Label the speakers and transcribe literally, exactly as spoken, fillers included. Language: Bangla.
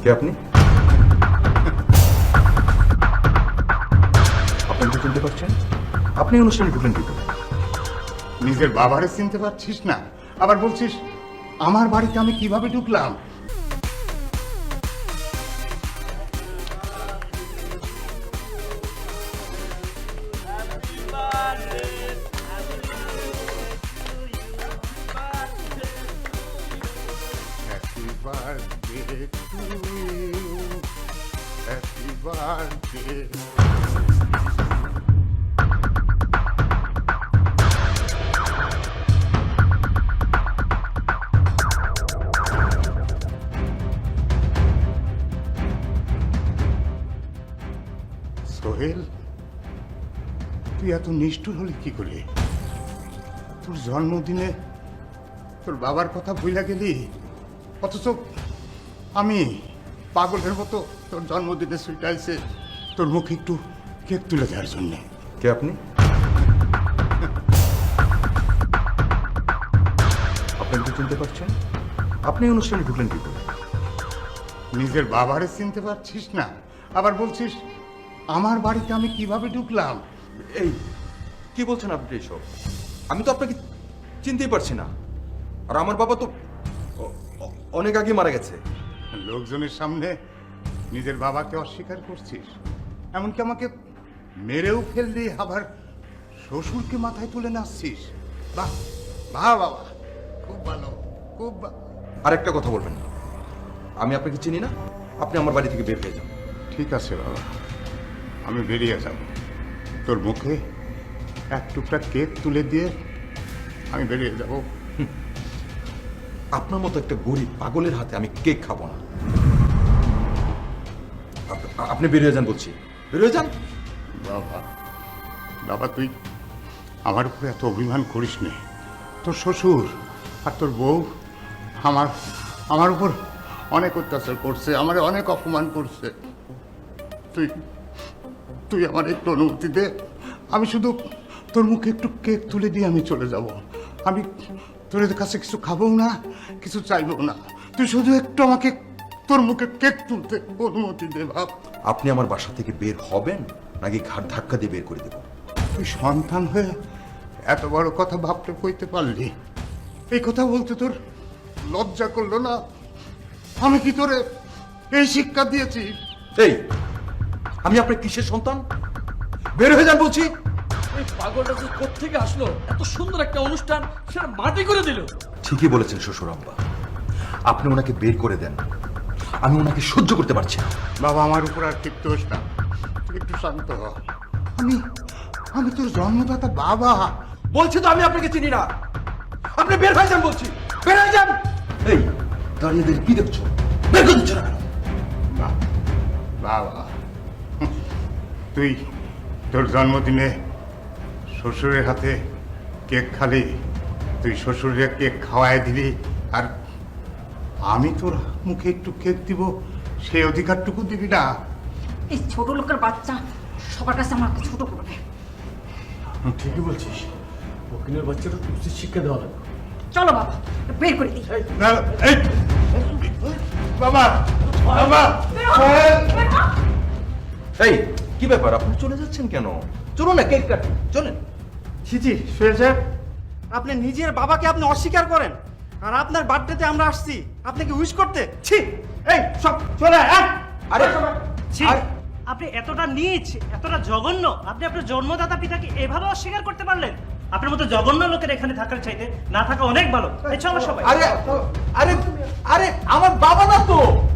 Speaker 1: কে আপনি? আপনি তো চিনতে পারছেন? আপনি অনুষ্ঠানে ঢুকলেন কি করে?
Speaker 2: নিজের বাবারে চিনতে পারছিস না, আবার বলছিস আমার বাড়িতে আমি কিভাবে ঢুকলাম? Happy birthday to you. Happy birthday. Sohel, তুই এত নিষ্ঠুর হলি কি করে? তোর জন্মদিনে তোর বাবার কথা ভুলে গেলি, অথচ আমি পাগলের মতো তোর জন্মদিনে সুইটাইছে তোর মুখে একটু কেক তুলে দেওয়ার জন্যে।
Speaker 1: কে আপনি? আপনি তো চিনতে পারছেন? আপনি অনুষ্ঠানে ঢুকলেন কি করে?
Speaker 2: নিজের বাবারে চিনতে পারছিস না, আবার বলছিস আমার বাড়িতে আমি কিভাবে ঢুকলাম?
Speaker 1: এই কি বলছেন আপনি এসব? আমি তো আপনাকে চিনতেই পারছি না। আর আমার বাবা তো অ- অ- অনেক আগে মারা গেছে।
Speaker 2: লোকজনের সামনে নিজের বাবাকে অস্বীকার করছিস, এমনকি আমাকে মেরেও ফেললি, আবার শ্বশুরকে মাথায় তুলে নাচছিস। বাহ বাহ বাবা, খুব ভালো, খুব ভালো।
Speaker 1: আরেকটা কথা বলবেন না। আমি আপনাকে চিনি না, আপনি আমার বাড়ি থেকে বের হয়ে যান।
Speaker 2: ঠিক আছে বাবা, আমি বেরিয়ে যাব। তোর মুখে এক টুকরা কেক তুলে দিয়ে আমি বেরিয়ে যাব।
Speaker 1: আপনার মতো একটা গরিব পাগলের হাতে আমি কেক খাবো না। আপ- আপনি বেরিয়ে যান বলছি, বেরিয়ে যান।
Speaker 2: বাবা বাবা, তুই আমার উপরে এত অভিমান করিস নে। তোর শ্বশুর আর তোর বউ আমার আমার উপর অনেক অত্যাচার করছে, আমার অনেক অপমান করছে। তুই তুই আমার একটু অনুমতি দে, আমি শুধু তোর মুখে একটু কেক তুলে দিয়ে আমি চলে যাব। আমি তোর কাছে কিছু খাবও না, কিছু চাইবও না। তুই শুধু একটু আমাকে তোর মুখে কেক তুলতে অনুমতি দে বাপ।
Speaker 1: আপনি আমার বাসা থেকে বের হবেন নাকি ঘাট ধাক্কা দিয়ে বের করে দেব?
Speaker 2: তুই সন্তান হয়ে এত বড় কথা ভাবতে কইতে পারলি? এই কথা বলতে তোর লজ্জা করলো না? আমি কি তোরে এই শিক্ষা দিয়েছি?
Speaker 1: এই আমি আপনার কিসের সন্তান? বের হয়ে যান বলছি।
Speaker 3: এই পাগলটা যে কোত্থেকে আসলো, এত সুন্দর একটা অনুষ্ঠান সেটা মাটি করে দিল।
Speaker 1: ঠিকই বলেছেন শ্বশুর আব্বা, আপনি ওনাকে বের করে দেন। আমি ওনাকে সহ্য করতে পারছি না।
Speaker 2: বাবা, আমার উপর আর ক্ষিপ্ত হোস না, তুই একটু শান্ত হ। আমি আমি তোর জন্মদাতা বাবা।
Speaker 1: বলছি তো আমি আপনাকে চিনি না। আপনি বের হয়ে যান বলছি, বের হয়ে যান। এই দাঁড়িয়ে দাঁড়িয়ে কি দেখছো? বের করে দিচ্ছ না কেন?
Speaker 2: বা- বাবা, তুই তোর জন্মদিনে শ্বশুরের হাতে কেক খালি, তুই শ্বশুরের কেক খাওয়াই দিবি, আর আমি তোর মুখে একটু কেক দিব, সেই অধিকারটুকু দিবি না?
Speaker 4: এই ছোট লোকের বাচ্চা সবার কাছে আমাকে ছোট করবে।
Speaker 3: ঠিকই বলছিস, ফকিনের বাচ্চাটা উচিত শিক্ষা দেওয়া লাগবে।
Speaker 4: চলো বাবা, বের করে দিই।
Speaker 2: না, এই, বাবা বাবা,
Speaker 1: এই কি ব্যাপার, আপনি চলে যাচ্ছেন কেন? চলুন না কেক কাটি, চলেন।
Speaker 5: ছিজি সোহেল সাহেব, আপনি নিজের বাবাকে আপনি অস্বীকার করেন, আর আপনার বার্থডেতে আমরা আসছি আপনাকে উইশ করতে। ছি, এই সব চলে আয়, আয়।
Speaker 1: আরে
Speaker 6: ছি, আপনি এতটা নীচ, এতটা জঘন্য, আপনি আপনার জন্মদাতা পিতাকে এভাবে অস্বীকার করতে পারলেন? আপনার মতো জঘন্য লোকের এখানে থাকার চাইতে না থাকা অনেক ভালো। এই চলো সবাই।
Speaker 1: আরে আরে আরে আমার বাবা না তো।